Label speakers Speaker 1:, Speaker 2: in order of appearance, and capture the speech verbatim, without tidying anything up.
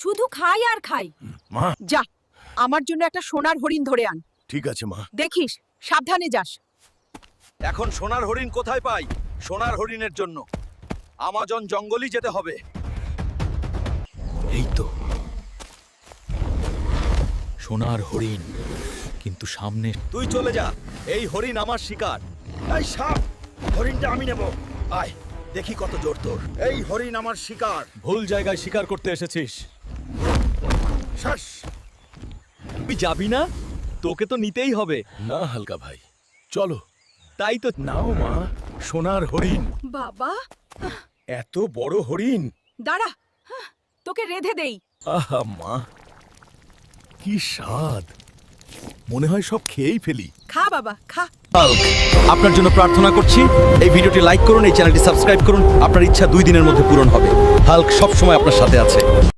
Speaker 1: শুধু খাই আর খাই।
Speaker 2: মা
Speaker 1: যা, আমার জন্য একটা সোনার হরিণ ধরে আন।
Speaker 2: ঠিক আছে মা।
Speaker 1: দেখিস, সাবধানে যাস।
Speaker 3: এখন সোনার হরিণ কোথায় পাই? সোনার হরিণের জন্য আমাজন জঙ্গলই যেতে হবে।
Speaker 4: এই তো সোনার হরিণ, কিন্তু সামনে
Speaker 3: তুই চলে যা, এই হরিণ আমার শিকার। এই সাপ, হরিণটা আমি নেব। আয়, দেখি কত জোর তোর। এই হরিণ আমার শিকার।
Speaker 4: ভুল জায়গায় শিকার করতে এসেছিস।
Speaker 3: শ্বাস। তুই যাবি না? তোকে তো নিতেই হবে।
Speaker 2: না হালকা ভাই, চলো।
Speaker 3: তাই তো।
Speaker 2: নাও মা, সোনার হরিণ।
Speaker 1: বাবা,
Speaker 2: এত বড় হরিণ।
Speaker 1: দাঁড়া, হাহ, তোকে রেঁধে দেই।
Speaker 2: আহা মা, কি স্বাদ! মনে হয় সব খেয়েই ফেলি।
Speaker 1: খা বাবা, খা।
Speaker 3: আপনার জন্য প্রার্থনা করছি, এই ভিডিওটি লাইক করুন, এই চ্যানেলটি সাবস্ক্রাইব করুন। আপনার ইচ্ছা দুই দিনের মধ্যে পূরণ হবে। হাল্ক সব সময় আপনার সাথে আছে।